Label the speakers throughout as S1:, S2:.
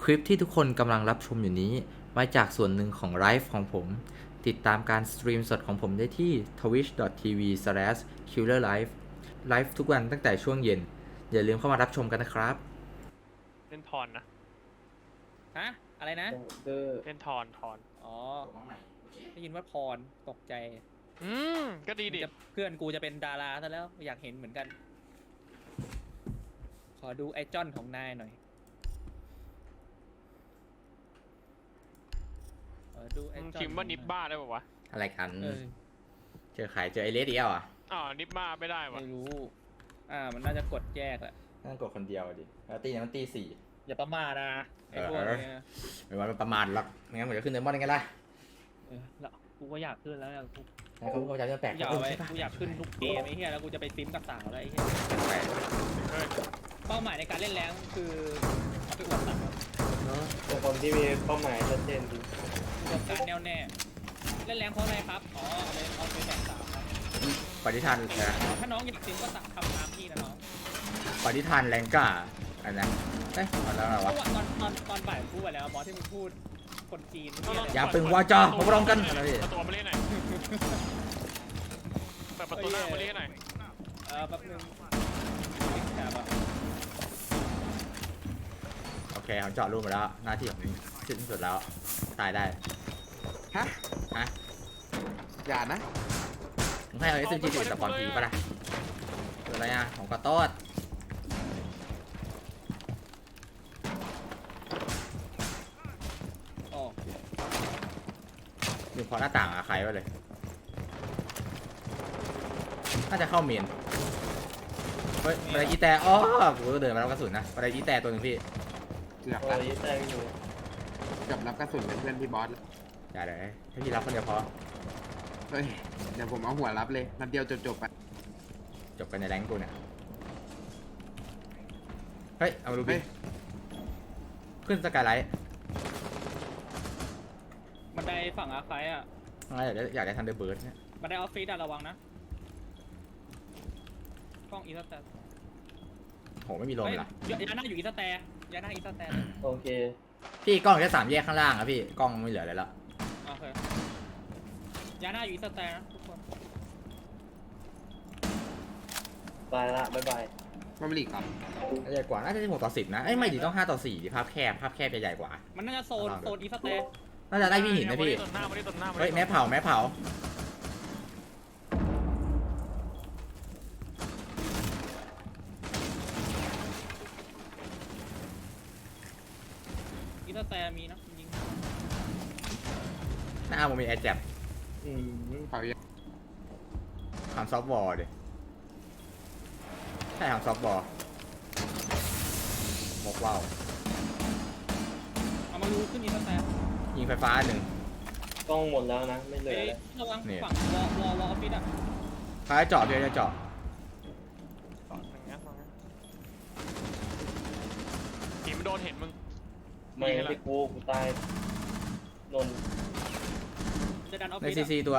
S1: คลิปที่ทุกคนกำลังรับชมอยู่นี้มาจากส่วนหนึ่งของไลฟ์ของผม ติดตามการสตรีมสดของผมได้ที่ twitch.tv/killerlife ไลฟ์ทุกวันตั้งแต่ช่วงเย็น อย่าลืมเข้ามารับชมกันนะครับ
S2: เล่นทอนนะ
S3: ฮะอะไรนะ
S2: เล่นทอน
S3: อ๋อ ได้ยินว่าพรตกใจ
S2: ก็ดีดิ
S3: เพื่อนกูจะเป็นดาราซะแล้วอยากเห็นเหมือนกัน ขอดูไอจอนของนายหน่อยขอดูไอจอน
S2: คิมว่านิบบ้าได้ป่าวะ
S1: อะไรกัน
S3: เออ
S1: เจอไอเลสอีกแล้วอ่ะ
S2: อ๋อนิบบ้าไม่ได้วะ
S3: ไม่รู้ มันน่าจะกดแยกแหละ
S1: นั่งกดคนเดียวดิแล้วตีเนี่ยมันตี4
S3: อย่าประมาทนะไอพวกเนี้ย
S1: ไม่ว่ามันประมาทหรอกไม่งั้นผมจะขึ้นเดมอนยังไงล่ะ
S3: แล้วกูก็อยากขึ้นแล้วเนี่ยกู
S1: แล้วเขาก็จะแปลก
S3: อยาก
S1: ใช่
S3: ไป
S1: ปะ
S3: กูอยากขึ้นทุกเกมไอ้เหี้ยแล้วกูจะไปซิมกับสาวแล้วไอ้เหี้ย
S1: แปลก
S2: เฮ้ย
S3: เป้าหมายในการเล่นแรงคือเอาไปอวดสาว
S1: เนอะ
S4: เป็นคนที่มีเป้าหมายชัดเจนดี
S3: รวมการแน่วแน่เล่นแรงเพราะอะไรครับอ๋อเอาไปแบ่งสาวครับ
S1: ปฏิทานนะ
S3: ถ้าน้องอยากซิมก็ทำตามพี่นะน้อง
S1: ปฏิทานแรงกล้าอันนั้นเอ๊ะเอาแล้วอะไร
S3: เพ
S1: วะ
S3: ราะว่าตอนบ่ายพูดไปแล้วบอสที่มึงพูดคนจีนที่อะไร
S1: อย่าปึงวาจามาพร้อมกันอะไรพี่
S2: ประตูมาเล่นหน่อยเปิดประตูหน้ามาเล่นหน่อย
S3: แป๊บนึงแบบว่า
S1: โอเคผมเจาะรูปมาแล้วหน้าที่ของผมสิ้นสุดแล้วตายได้
S5: ฮะ
S1: ฮะ
S5: อย่านะ
S1: มึงให้เอา SMG ติดสปอนทีป่ะล่ะคืออะไรอ่ะของกระโต๊ด
S3: อ๋อ
S1: อยู่พอหน้าต่างอะใครวะเลยน่าจะเข้าเมนเฮ้ยอะไรอีแต่อ๋อกูก็เดินมารับกระสุนนะอะไรอีแต่ตัวหนึ่งพี่
S5: เกือบ
S4: โอ้
S5: ละ
S4: ยแต่งอยู่
S5: เกือบรับกระสุนเป็นเพื่อนพี่บอสแล้ว
S1: อย่าเลยให้พี่รับคนเดียวพอ
S5: เฮ้ย เดี๋ยวผมเอาหัวรับเลยนัดเดียวจบๆไป
S1: จบกันในแรงกูเนี่ยเฮ้ยเอามาดูบิ
S5: เฮ้ย
S1: ขึ้นสกายไลท์
S3: บันไดฝั่งอาร์ไฟอ่ะ
S1: อยากได้ทันเดอร์เบิร์ดเนี่ย
S3: บันไดออฟฟิศอะระวังนะกล้องอีสแตร์
S1: โหไม่มีลมเลยเหรอย
S3: าหน้าอยู่อีสแตร์ยาหน้าอีสแตร์
S4: โอเค
S1: พี่กล้องแค่3 แยกข้างล่างอะพี่กล้องไม่เหลืออะไรละ
S3: โอเคยาหน้าอยู่อีสแตร์นะทุกคน
S4: บายละบ๊ายบาย
S5: มาบริกครับ
S1: ใหญ่กว่าน่าจะ16-10นะเอ้ยไม่ดิต้อง5-4ดิภาพแคบจะใหญ่กว่า
S3: มันน่าจะโซนอีสแตร์
S1: น่าจะได้พี่หินนะพี่
S2: ต้นหน้ามาเล่นต้นหน้ามา
S1: เฮ้ย
S2: เล่น
S1: แม่เผา
S3: อีสแตร์มีนะยิง
S1: หน้าผมมีแอร์แจ็บ
S4: อืม
S5: เผาเยอะ
S1: ทำซอฟต์บอลดิใช่ทำซอฟต์บอลมกว่าว
S3: เอามาดูขึ้นอีสแตร์
S1: ยิงไฟฟ้า1
S4: กล้องหมดแล้วนะ ไม่เหลือ
S3: เอ้ย
S4: แล้ว
S3: ระวัง
S1: เนี่ย
S3: ฝั่งวอลออฟฟิศอ่ะ
S1: ฟ้าเจาะพี่จะเจาะ
S2: อย่างเงี้ยทีมโดนเห็นมึง
S4: ไม่ที่กูตายนนท์
S3: จะดันออฟ
S1: ใน
S3: ฟิศ
S1: ซีซีตัว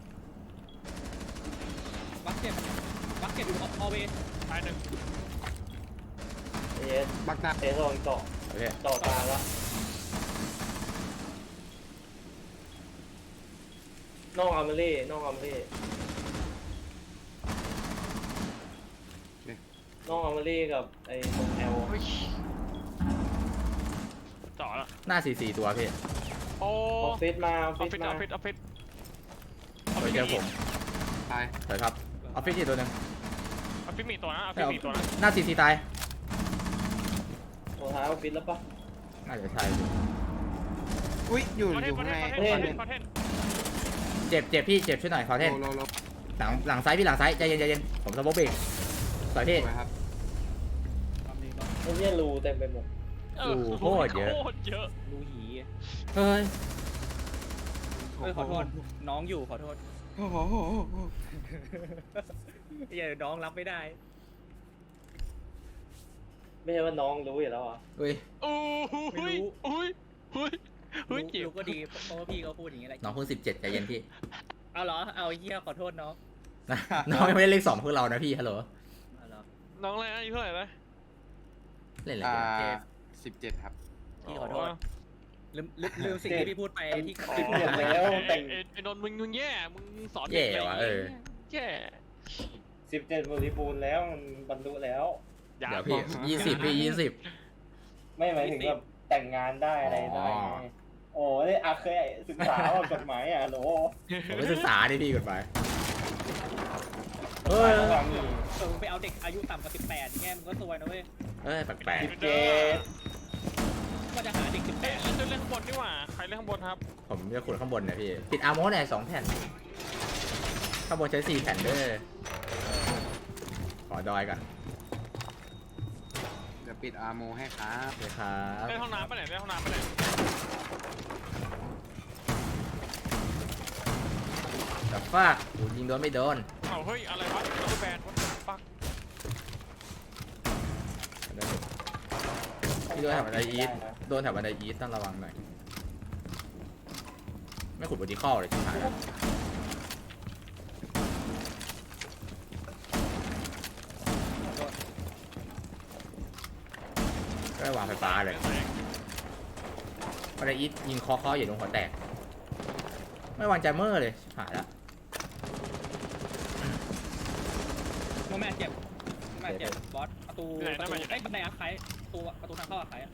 S3: บัคเก็ตอยู่ออเว
S2: ตายหนึ่ง
S4: เอส
S5: บักหน้า
S4: เอสลองเจาะ
S1: โอเค
S4: เจาะตาละน้องอาร์เมลี่น้องอาร์เมลี่น้องอาร์เมลี่กับไอ้ตรงแอล
S2: เฮ้ยจ่อแล้ว
S1: หน้าซีซีตัวพี่
S2: โอ้
S4: ออฟฟิศมาออฟ
S2: ออฟ
S4: ฟิ
S2: ฟิ
S4: ศ
S2: ศอ
S4: มา
S2: อฟฟิศออฟฟิศ
S1: ไปเจอผม
S5: ตาย
S1: เดี๋ยวครับออฟฟิศอีกตัวหนึ่ง
S2: ออฟฟิศมีตัวนะออฟฟิศมีตัวนะ
S1: หน้าซีซีตาย
S4: ตัวท้ายออฟฟิศแล้วปะ
S1: น่าจะใช่
S5: อุ้ยอยู่
S2: คอนเท
S5: อน ยู่
S2: ต์คอน
S5: ข้าง
S2: เท
S5: ใน
S2: นต์คอนเทนต์คอนเทนต์
S1: เจ็บพี่เจ็บช่วยหน่อยขอเทน
S5: โล
S1: หลังซ้ายพี่หลังซ้ายใจเย็นผมสมบูรณ์เบรกสวยพี่
S5: สวยครับ
S3: ความดีเนาะ
S4: ไอ้เนี่ยรูเต็มไปหมด
S1: โคตรเยอะ
S2: โคตรเยอะ
S3: รูหี
S1: เฮ้ย
S3: ขอโทษน้องอยู่ขอโทษ
S5: โอ้โห
S3: อย่าน้องรับไม่ได้
S4: ไม่ใช่ว่าน้องรู้อยู่แล้วอ่ะ
S1: อุ้ย
S2: โอ้ย
S3: ไม่รู้
S2: อุ้ยอุ้ยอุ้ยเจ็บ
S3: รู้ก็ดีเพราะว่าพี่เขาพูดอย่างนี้แหละ
S1: น้องเพิ่ง17ใจเย็นพี่
S3: เอาเหรอเอาเฮียขอโทษน้อง
S1: น้องยังไม่ได้เลข2พวกเรานะพี่ฮัลโหล
S3: เอาเหรอ
S2: น้องอะไรนะอายุเท่าไหร่นะ
S1: เล่นอะไร
S5: อ่า
S1: กันเกม
S5: 17 ครับ
S3: พี่ขอโทษลืมสิ่งที่พี่พูดไปที่
S4: ติดหมดแล้วแต่ง
S2: ไอ้นนท์มึงแย่มึงสอน
S1: แย่ว่ะ
S2: แย่
S4: 17บริบูรณ์แล้วมันบรรลุแล้ว
S2: อย่า
S1: เดี๋ยวพี่20พี่20
S4: ไม่หมายถึงแบบแต่งงานได้อะไรได้
S1: อ๋อ
S4: ไงโอ้ยอาเคยศึกษาว่ากฎหมายอ่ะโหล
S1: ผมไม่ศึกษาดิพี่กฎหมาย
S4: เฮ้ยระวังนี่
S3: มึงไปเอาเด็กอายุต่ำกว่า18อย่างเงี้ยมึงก็ซวยนะเว้ย
S1: แปลก
S3: ก็จะหาเด็ก
S2: เล่นข้างบนดีกว่าใครเล่นข้างบนครับ
S1: ๆผมจะขุดข้างบนเนี่ยพี่ติดอาร์โมสเนี่ย2 แผ่นข้างบนใช้4 แผ่นเด้อขอดอยก่อน
S5: เดี๋ยวปิดอาร์โมให้ครับ
S1: เลยครับ
S2: เล่นห้องน้ำไปไหนเล่นห้องน้ำไปไหน
S1: แต่ฟากยิงโดนไม่โดน
S2: เอาเฮ้ยอะไรวะตัวแบนวะปัก
S1: พี่โดนแถวบันไดอีทโดนแถวบันไดอีทต้องระวังหน่อยไม่ขุดบอดี้คอลเลยชิบหายแล้วก็วางไฟฟ้าเลยบันไดอีทยิงคออยู่ตรงหัวแตกไม่วางใจเมอร์เลยชิบหายแล้ว
S3: โมแม่เจ็บบอสประตูบันไดอาร์ไคประตูทางเข้าอาร์ไค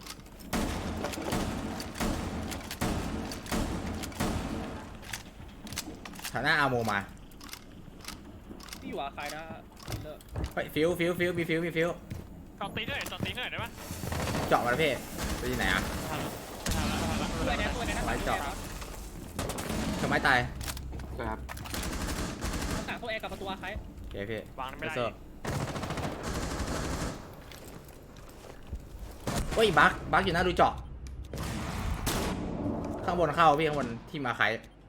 S1: ฐานะอาร์โมมา
S3: พี่อยู่อาร์ไคนะเลิก
S1: เฮ้ยฟิวมีฟิว
S2: จอดตีหน่อยได้ปะ
S1: เจาะมาแล้วพี่ไปที่ไหนอ่ะ
S3: ตัวนี้นะ
S1: ไว้เจาะ ทำไมตาย
S5: ครับ
S3: ต่างตัวเอกับประตูอาร์ไค
S1: โอเคพี่
S2: วางไม่ได้
S1: เฮ้ยบักอยู่หน้าดูเจาะข้างบนเข้าพี่ข้างบนที่มาใคร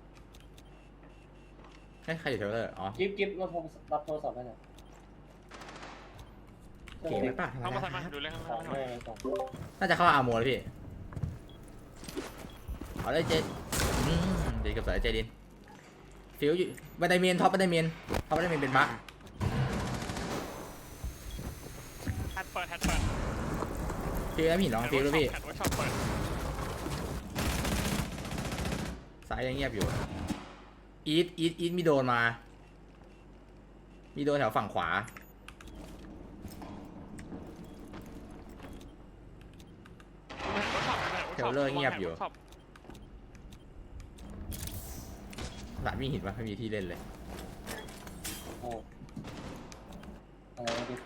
S1: ใครอยู่เทเลอร์อ๋อ
S4: กิ๊บรับโทรศัพท์ให้หน่อย
S1: เก๋ไหมป่ะ
S2: เข้ามาใส่มาดูเล่นข้าง
S4: สอง
S2: ล่าง
S4: แม่สอง
S1: น่าจะเข้าอาร์โมแล้วพี่เอาได้เจดีกับสายเจดินฟิวอยู่บันไดเมนท็อปบันไดเมนเป็นบัก
S2: แฮตเปิด
S1: ฟิวแล้วพี่ลองฟิวด้วยพี่
S2: แฮตว่าชอบเปิด
S1: สายยังเงียบอยู่อีทมีโดนมามีโดนแถวฝั่งขวาเทเลอร์เงียบอยู่หลานวิ่งเห็นว่าไม่มีที่เล่นเลย
S4: โอ้อะไรนะกิ๊บ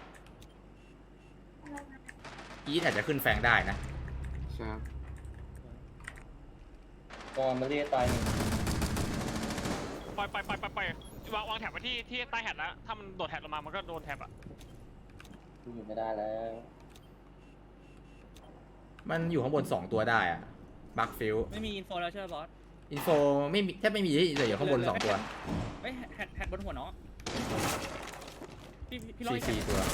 S1: อีทอาจจะขึ้นแฟงได้นะ
S5: ครับ
S4: กอนมาเรียตายหนึ่ง
S2: ไปวางแถบไว้ที่ใต้แฮตแล้วถ้ามันโดดแฮตลงมามันก็โดนแถบอ่ะ
S4: กูอยู่ไม่ได้แล้ว
S1: มันอยู่ข้างบน2 ตัวได้อะบักฟิว
S3: ไม่มีอินโฟแล้วใช่ไหมบอส
S1: อินโฟไม่มีแทบไม่มีที่เหลืออยู่ข้างบน2 ตัว
S3: เฮ้ยแฮดบนหัวน้องพี่ร้อย
S1: CC ตัว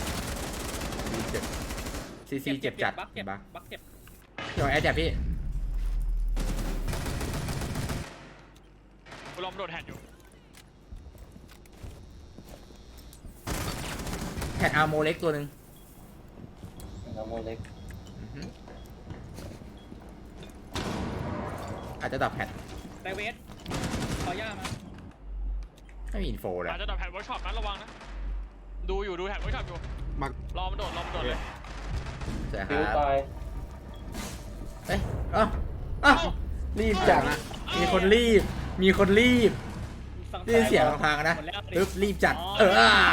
S1: CC เจ็บจัด
S3: บักเจ็บ
S1: บัก
S3: บักเจ็บ
S1: พี่บอกแอดจับพี่
S2: กูลองโดดแฮตอยู่
S1: แพดอาร์โมเล็กตัวหนึ่ง
S4: น้ำโมเล็ก
S1: อาจจะดับแพด
S3: ไดเวสขอย่ามา
S1: ไม่มีอินโฟเลย
S2: อาจจะโดดแฮตเวิร์กช็อปนะระวังนะดูแฮตเวิร์กช็อปอยู่
S5: มัก
S2: รอมันโดดเลย
S1: เสียค
S4: ฟิว
S1: รับ
S4: ตาย
S1: เอ้ยรีบจัดมีคนรีบได้ยินเสียงทางนะปึ๊บรีบจัด
S3: ไอ้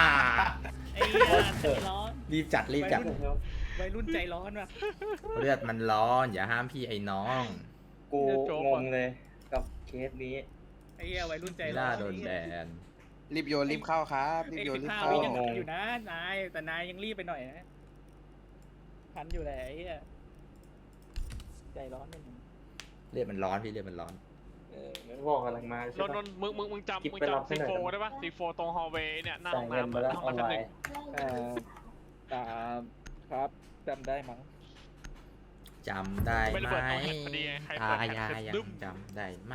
S3: ใจร้อน
S1: รีบจัด
S3: วัยรุ่นใจร้อนว่ะ
S1: เลือดมันร้อนอย่าห้ามพี่ไอ้น้อง
S4: กูงงเลยกับเคสนี้
S3: ไอ้เหี้ยวัยรุ่นใจร้
S1: ล่า
S3: อน
S1: โดนแบน
S5: รีบโยนรีบเข้าครับรีบโยนรีบ
S3: 15
S5: เข้า
S3: วิยังทันอยู่นะนายแต่นายยังรีบไปหน่อยนะทันอยู่แหละไอ้เหี้ยใจร้อนนิดนึง
S1: เลือดมันร้อนพี่เลือดมันร้อน
S4: งั้นบอกกำลังมาใช่
S2: น
S4: ปะ
S2: นมึงจำ
S4: กิ๊บไปรับให้
S2: ซี
S4: หน่อย
S2: โฟได้ปะซีโฟตรงฮอลเวย์เนี่ยหน้า
S4: จ่า
S2: ห้
S4: ย
S2: อง
S4: เงิน
S2: น้ำ
S4: ไปแล้ว
S2: ห้อง
S4: ออน
S2: น้ำ
S4: ไล
S2: ชั้นหนึ่ง
S4: น์
S3: ครับจำได้มั้ง
S1: จำได้
S2: ไม่ระ
S1: ไหม
S2: เบิดตรงแฮตพอดีไงใคร
S1: ตา
S2: เปิดแฮ
S1: ยา
S2: ต
S1: ยั
S2: ดึ้
S1: ง
S2: ม
S1: จำได้ไหม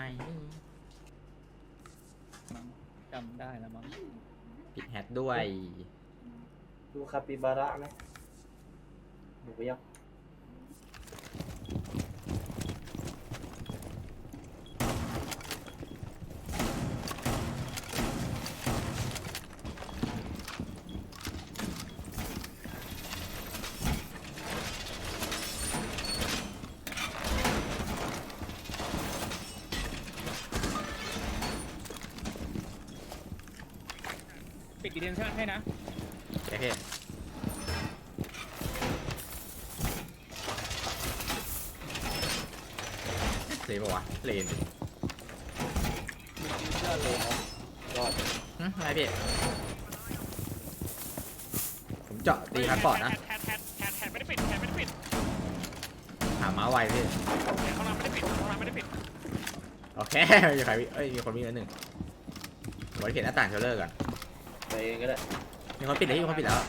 S3: จำได้แล้วมั้ง
S1: ปิดแฮทด้วย
S4: ดูคาปิบาระไหมดูไปยัง
S3: ปิดดีเทนชั่นให้นะ
S1: โอเคเลยปะวะเลน
S4: ยอดเลยครับยอด
S1: อะไรพี่ผมเจาะตีพาสปอร์ตนะ
S2: แฮดไม่ได้ปิดแฮดไม่ได้ปิด
S1: หาม้าไวพี่
S2: แฮดข้างล่างไม่ได้ปิดข้างล่างไม่ได้ปิด
S1: โอเคมีใครมีคนวิ่งแล้วหนึ่งผมจะเขียนหน้าต่างเทเลอร์ก่อน
S4: ไปเองก็ได้
S1: มีคนปิดเลยมีคนปิดแล้ว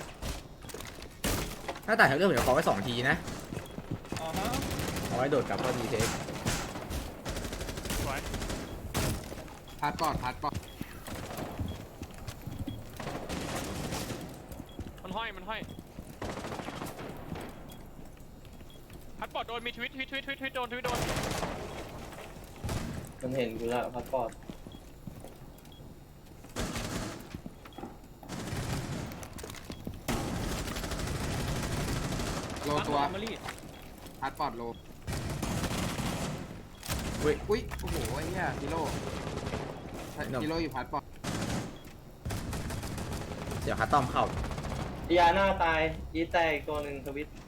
S1: หน้าต่างเทเลอร์ผมจะขอไว้2 ทีนะ
S3: อ๋อฮะ
S1: เอาไว้โดดกลับเข้าดีเทค
S2: สวย
S5: พาสปอร์ต
S2: มันห้อยพัดปอดโดนมีทวิตโดน
S4: มันเห็นกูแล้วพาสปอร์ต
S5: โลตัว
S3: มารี
S5: พาสปอร์ตโล
S1: อุ้ย
S5: อุ้ยโอ้โหไอ้เหี้ยกิโลกิโลอยู่พาสปอร์ต
S1: เดี๋ยวคัสตอมเข้า
S4: ดีอาหน้าตายยีแตกตัวหนึ่งทวิต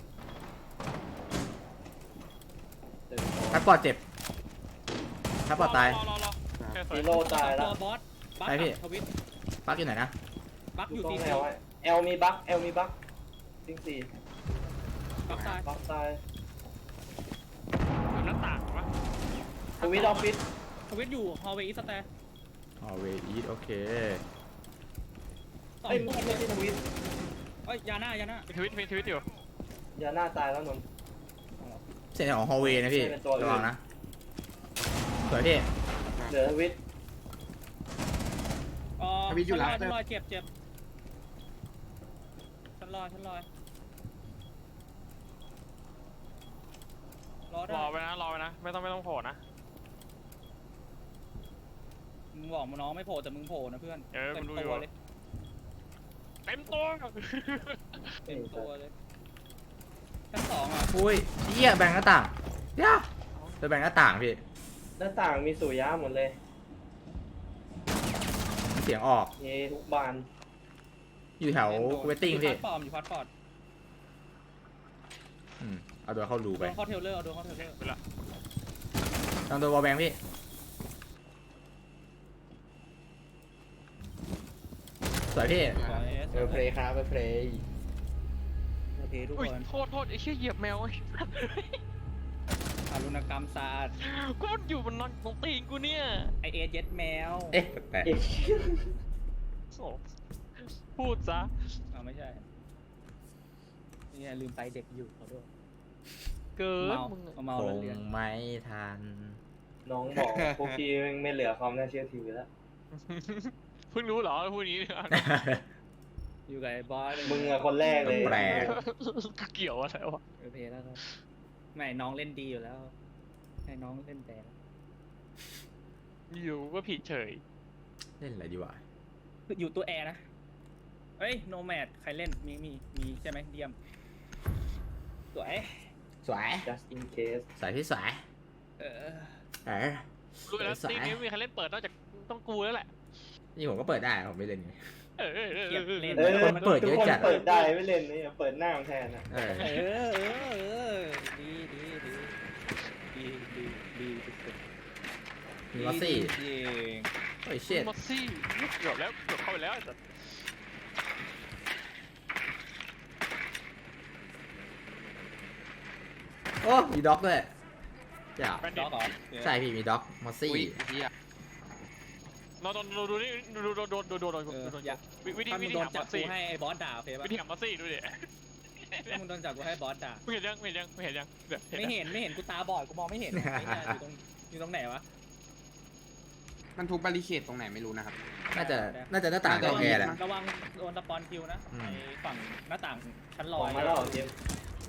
S1: พาสปอร์ตเจ็บพาสปอร์ตตาย
S2: รอแค่สวย
S4: ฮีโร่ตายแล้ว
S3: บอสบัค
S1: ไปพี่
S3: ทวิต
S1: ปักอยู่ไหนนะ
S3: บัค
S4: อ
S3: อยู่ ยู่
S4: ตรง
S3: ตี
S4: แนวเอลมีบัคซิงสี่
S3: บัคตาย
S4: บัคตาย
S2: หน้าต่างวะ
S4: ทวิตออฟฟิศ
S3: ทวิตอยู่ฮอลเวย์อีสแตร์
S1: อ๋อเวอีทโอเค
S3: สอง
S4: เอ้ย
S3: ตัว
S4: ไม่ใช่ทวิต
S3: เอ้ยยาหน้า
S2: มีทวิตอยู่
S4: ยาหน้าตายแล้วนนท์
S1: เส้นของฮอลเวย์นะพี่
S4: เป็นตัวอื่น
S1: ระวังนะสวยพี่
S4: เหลือทวิต
S3: ฉันลอยเจ็บฉันลอยรอ
S2: รอไว้นะไม่ต้องโผล่นะ
S3: มึงบอกมึงน้องไม่โผล่แต่มึงโผล่นะเพื่อน
S2: เออ
S3: เต็
S2: กู
S3: ม
S2: รู้
S3: ตั
S2: อยู่
S3: วเลย
S2: เต็มตัว
S3: เต็มตัวเลยชั้นสองอ่ะ
S1: อุ้ยเหี้ยแบ่งหน้าต่างเดี๋ยวจะแบ่งหน้าต่างพี่
S4: หน้าต่างมีสุริยะหมดเลย
S1: เสียงออก
S4: เยทุกบาน
S1: อยู่แถวเวทติ้งพี่
S3: อยู่พาสปอร์ต
S1: เอาตัวเข้ารูไป
S3: โดนเข้าเทเลอร์เอาโดนเข้าเทเลอร์
S2: ไปละ
S1: ลองตัววอลแบงพี่สวยพี่
S5: เพลย์ครับเพลย์
S3: โอเคทุก
S2: อุ้ย
S3: คน
S2: โทษไอ้เชี่ยเหยียบแมวไอ้
S3: อารุณกรรมศาสตร์
S2: กูมันอยู่บนนอนตรงตีนกูเนี่ย
S3: ไอเอเจ็ดแมว
S1: เอ๊ะแต่
S4: เอ๊ะ
S2: โอ้พูดซะ
S3: เอาไม่ใช่นี่ลืมไปเด็กอยู่ขอโทษ
S2: เกิน
S3: เมา
S2: มึง
S3: เมา
S1: ค
S3: แล้ว
S1: ง
S3: เรียน
S1: ไม่ทัน
S4: น้องบอกพวกพี่ไม่เหลือความน่าเชื่อถือแล้ว
S2: เพิ่งรู้เหรอพูดนี้
S3: อยู่กับไอ้บอส
S4: มึงอะคนแรกเลย
S1: แปลก
S2: ก็เกี่ยวอะไรวะ
S3: โอเคแล้วครับไม่น้องเล่นดีอยู่แล้ว ให้น้องเล่นแต่
S2: อยู่ก็ผิดเฉย
S1: เล่นอะไรดีวะ
S3: อยู่ตัวแอร์นะเอ้ยโนแมดใครเล่นมีใช่ไหมเดียมสวย
S1: สวย
S4: just in case
S1: สวยพี่สวย
S3: เออ
S2: รู้แล้ว
S1: สวย
S2: ตีนี้ไม่มีใครเล่นเปิดนอกจากต้องกูแล้วแหละ
S1: นี่ผมก็เปิดได้ผมไม่เล่นไง
S2: เออ
S1: คนเปิดเยอะจัด
S4: ทุกคนเปิดได้ไม่เล่นนี่เปิดหน้าแทนอะ
S1: เออ
S3: ดีสุด
S1: มีมอสซี่
S3: จริง
S1: โอ้ยเชิด
S2: มอสซี่เกือบเข้าไปแล้วแต่
S1: โอ้มีด็อกด้วยจ้า
S2: แบน
S3: ด็
S2: ดิ
S3: อกเหรอ
S1: ใช่พี่มีด็อกมอสซี่
S5: อุ้ยเหี้ย
S2: ดูนี่ดูวิธี
S3: ถ้ามึงโดน
S2: หาม
S3: จั
S2: อบ สซี่
S3: กูให้ไอ้บอสด่าโอเคปะ
S2: วิธีหามอสซี่ดูดิ
S3: ถ้ามึงโดนจับกูให้บอสด่า
S2: ไม่เห็นยังไม่เห็นยัง
S3: ไม่เห็นกูตาบอดกูมองไม่เห็นอยู่ตรงไหนวะ
S5: มันทุบบาริเคดตรงไหนไม่รู้นะครับ
S1: น่าจะหน้าต่างตรงแอร์แหละ
S3: ระวังโดนสปอนคิวนะ
S1: อืม
S3: ไอ้ฝั่งหน้าต่างชั้นล
S4: อ
S3: อ
S4: อย กมาแล้วเหรอเจมส์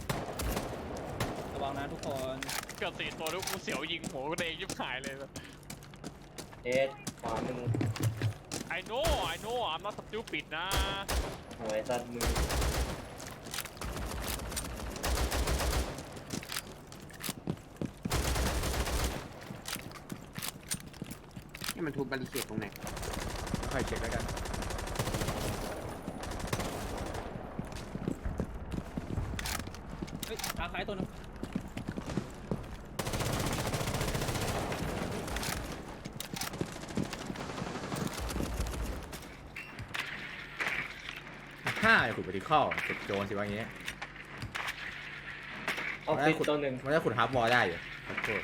S3: ระวังนะทุกคน
S2: เกือบ4 ตัวแล้วกูเสียวยิงหัวกูเองยิบหายเลย
S4: เอ็ดขวามึง
S2: I know I'm not stupid นะ
S4: หวยตัดมือ
S5: นี่มันทุบบาริเคดตรงไหน
S1: ค่อยเช็คแล้วกัน
S3: อาคายตัวนึง
S1: ห้าไอ้ขุดไปที่ข้อขุดโจรสิว่าอย่างเงี้ย
S4: ออฟฟิศตัวหนึ่ง
S1: มันจะขุดฮาร์ฟวอลได้อยู่ขอโทษ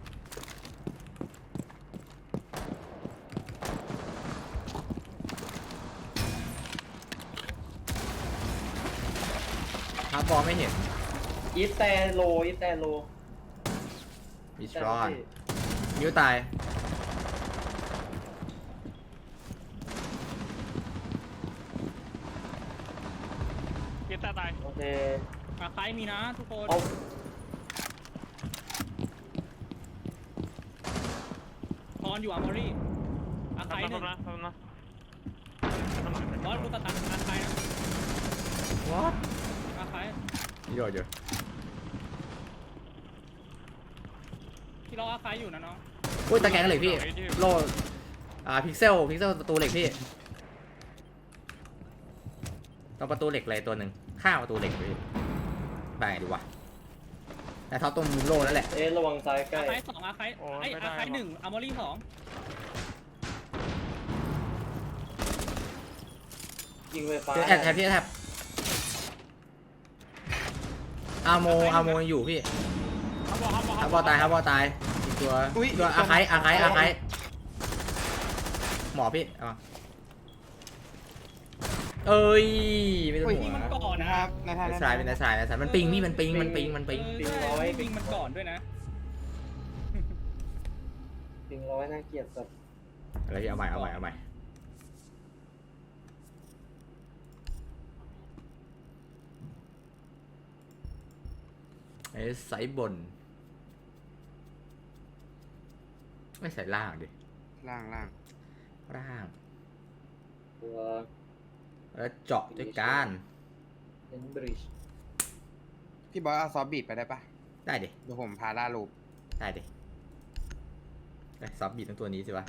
S1: ฮาร์ฟวอลไม่เห็น
S4: อีสแตโลอีสแตโล
S1: มิสรอนมิวตาย
S2: เกียร์ตาตาย
S4: โอเค
S3: อาคายมีนะทุกคน
S4: เอา
S3: พรอยู่อาร์มอรี่อาคายหนึ่ง
S2: นะนะ
S3: บอสกูตัดอาคายนะ
S1: what
S3: อาคาย
S1: นี่โดดอยู่
S3: ที่เราอาคายอยู่นะน้อง
S1: อุ้ยตะแกรงเหล็กพี่โลพิกเซลประตูเหล็กพี่ต้องประตูเหล็กเลยตัวหนึ่งข้างประตูเหล็กพี่ไปไหนดีวะแต่เขาตรงมุมโลนั่นแหละ
S4: ระวังซ้ายใกล้
S3: อาคายสองอาคายไออาคายหนึ่งอาร์มอรี่สอง
S4: ยิงไฟฟ้า
S1: แอบพี่แอบอาโมยังอยู่พี่
S2: ฮับบอล
S1: ฮับบอลตายอีกตัวอาไคหมอพี่เอามาเอ้ยไม่ต้อง
S3: ยิง
S1: หัว
S3: มันก่อน
S5: นะ
S3: นะครับ
S5: ในทาง
S1: ในสายเป็นในสายมันปิงพี่มันปิง
S3: ยิงมันก่อนด้วยนะ
S4: ยิงร้อยน่าเกลียดสัตว์
S1: อะไรที่เอาใหม่ไอ้สายบนไม่ใส่ล่างดิ
S5: ล่าง
S4: ตัว
S1: แล้วเจาะด้วยการ
S4: เอ็นบริดจ์
S5: พี่บอยเอาซอฟบีดไปได้ปะ
S1: ได้ดิ
S5: เดี๋ยวผมพาล่าลูป
S1: ได้ดิซับบีดทั้งตัวนี้สิวะ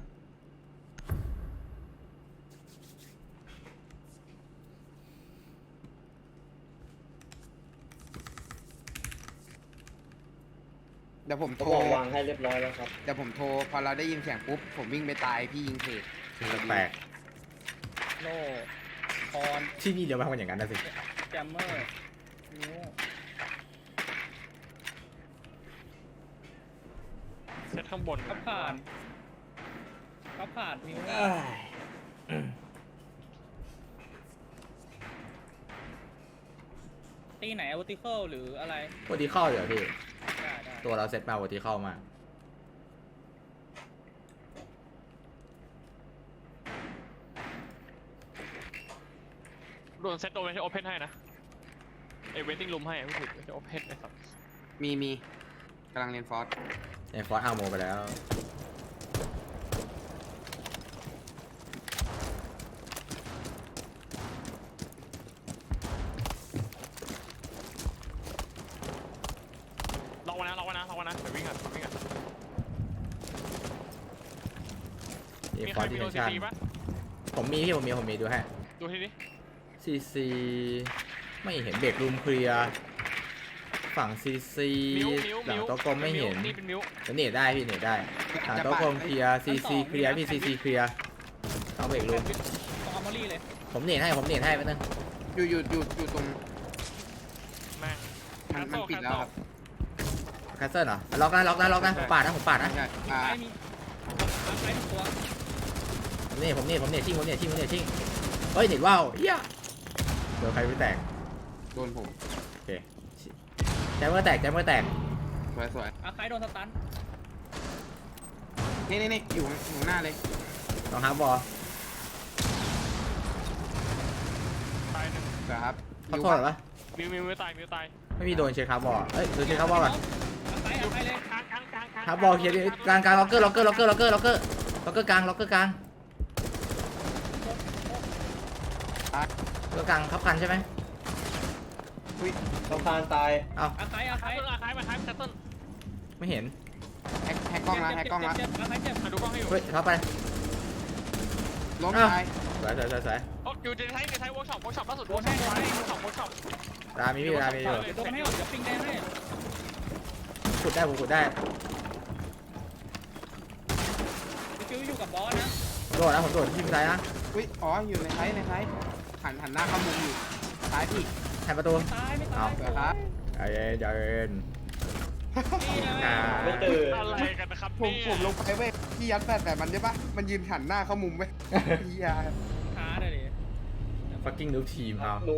S5: เดี๋ยวผม
S4: เขา
S5: โทร
S4: บอกวางให้เรียบร้อยแล้วครับ
S5: เดี๋ยวผมโทรพอเราได้ยินเสียงปุ๊บผมวิ่งไปตายพี่ยิงเพจ
S1: แปลก
S3: โล่พร
S1: ที่นี่เดี๋ยวมาทำอย่างนั้นนะสิ
S3: แจมเมอร์นิ้ว
S2: เซตข้างบน
S3: ก็ผ่านนิ้วตีไหนวอติเคิลหรืออะไร
S1: วอติเข้าเดี๋ยวพี่
S3: ได้
S1: ตัวเราเซตมาวอติเข้ามา
S2: โดนเซตโดนไม่ใช่โอเพนให้นะเอเวนติ้งรูมให้ไม่ถูกไม่ใช่โอเพนไอ้สัส
S5: มีกำลังเรียนฟอส
S1: ในฟอร์สอาร์โมไปแล้ว
S2: ล็อกไว้นะเดี๋ยววิ่งกัน
S1: มี
S2: มี
S1: ฟ
S2: ใค
S1: อ
S2: ร
S1: ร์ส
S2: มี
S1: ดิ
S2: โด
S1: เท
S2: น
S1: น
S2: ซี
S1: ชั่น
S2: ปะ
S1: ผมมีดูให้
S2: ดูทีนี้
S1: ซีไม่เห็นเบรกรูมเคลียร์ฝั่งซี
S2: มิว
S1: หลังโต๊ะกลมไม่เห็น
S2: นี่เป็นมิว
S1: เน็ตได้พี่เน็ตได้หลังโต๊ะกลมเคลียร์ซีเคลียร์พี่ซีเคลียร์เอาเบรกรูม
S3: ตรงอาร์มอรี่เลย
S1: ผมเน็ตให้แป๊บนึง
S5: อยู่ตรง
S2: แม่ง
S5: มันปิดแล้วครับ
S1: แคสเซิลเหรอล็อกนะผมปาดนะ
S5: ใช่
S3: ซ้ายมีซ้ายหนึ่งตัว
S1: ผมเน็ตชิ่งเฮ้ยเน็ตว้าวเฮียโดนใครไม่แตก
S5: โดนผม
S1: โอเคแจมเมอร์แตก
S5: สวย
S3: อาคายโดนสตัน
S5: นี่อยู่หน้าเลย
S1: ลองฮาร์บอล
S2: ตายหนึ่ง
S5: เดี๋ยวครับ
S1: ขอโทษเหรอวะ
S2: มิวตาย
S1: ไม่มีโดนเช็คฮาร์บอลเอ้ยโดนเช็คฮาร์บอลก่อน
S3: อาคายเลย
S2: กลาง
S1: ฮาร์บอลเคลียร์ดิกลางล็อกเกอร์กลางล็อกเกอร์กลางทับกันใช่ไหม
S4: สะพานตาย
S1: เอ้า
S3: อาคาย
S2: อาคายมาท้ายเซตต้น
S1: ไม่เห็น
S5: แฮกกล้องละ
S3: อาคายเจ็บ
S2: มาดูกล้องให้อยู่
S1: เฮ้ยทับไป
S5: ล้ม
S1: อ้าว
S5: ตาย
S1: โดวยสวยสวยสวย
S2: โอ้อยู่ในไทยเวิร์กช็อปล่าสุดเวิร์กช็อปไว้เวิร์กช็อป
S1: รามีพี่รามีอยู่
S3: เดี๋ยวโดนให้หมดเดี๋ยวปิ้งแดงให้
S1: ขุดได้ผมขุดได้
S3: คิวอยู่กับบอสนะ
S1: โดดนะผมโดดที่มุมซ้ายนะ
S5: อุ้ยอ๋ออยู่ในไซส์หันหน้าเข้ามุมอยู่ซ้ายพี่
S1: แทนประตู
S3: ตายไม่ตาย
S5: เอาเดี๋ยวครับ
S1: ใจเย็นใจเย็น
S3: นี่นะ
S1: อ่า
S4: ไม่ตื่น
S2: อะไรกันนะครับ
S5: ผมลงไปเว้ยพี่ยัดแต่มันใช่ปะมันยืนหันหน้าเข้ามุมเว้ยพี่ยา
S3: หาเลยดิ
S1: fucking noob team เขา
S4: ลุก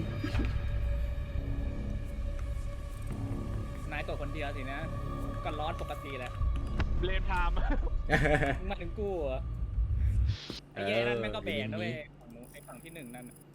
S3: นายตัวคนเดียวสินะก็ร้อนปกติแหละ
S2: เลนไทม์
S3: มึงมาถึงกูเหรอไอ้เย้นั่นแม่งก็แบกนะเว้ยฝั่งนู้นไอ้ฝั่งที่หนึ่งนั่นน่ะ